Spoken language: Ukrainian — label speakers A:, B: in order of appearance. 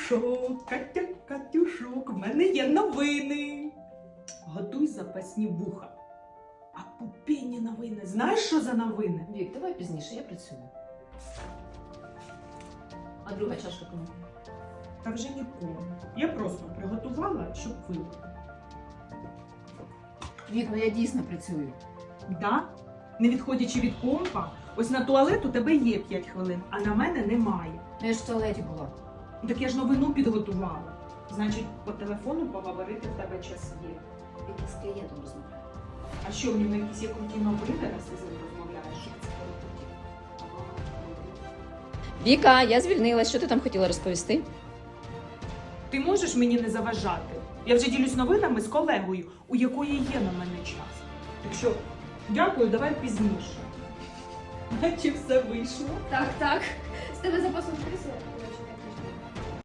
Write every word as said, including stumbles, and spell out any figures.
A: Катюшок, Катя, Катюшок, в мене є новини. Готуй запасні вуха. А пупені новини. Знаєш, що за новини?
B: Вік, давай пізніше, я працюю. А друга чашка кому?
A: Та вже нікому. Я просто приготувала, щоб випити.
B: Вік, ну я дійсно працюю.
A: Да? Не відходячи від компа, ось на туалет у тебе є п'ять хвилин, а на мене немає.
B: Ну я ж в туалеті була.
A: Так я ж новину підготувала. Значить, по телефону поговорити в тебе час є.
B: Вік, я з клієнтом розмовляю.
A: А що, в нього якісь є круті новини, раз ти з ним розмовляєш?
B: Віка, я звільнилась. Що ти там хотіла розповісти?
A: Ти можеш мені не заважати? Я вже ділюсь новинами з колегою, у якої є на мене час. Так що, дякую, давай пізніше. Наче все вийшло.
C: Так, так. З тебе запасом крісло.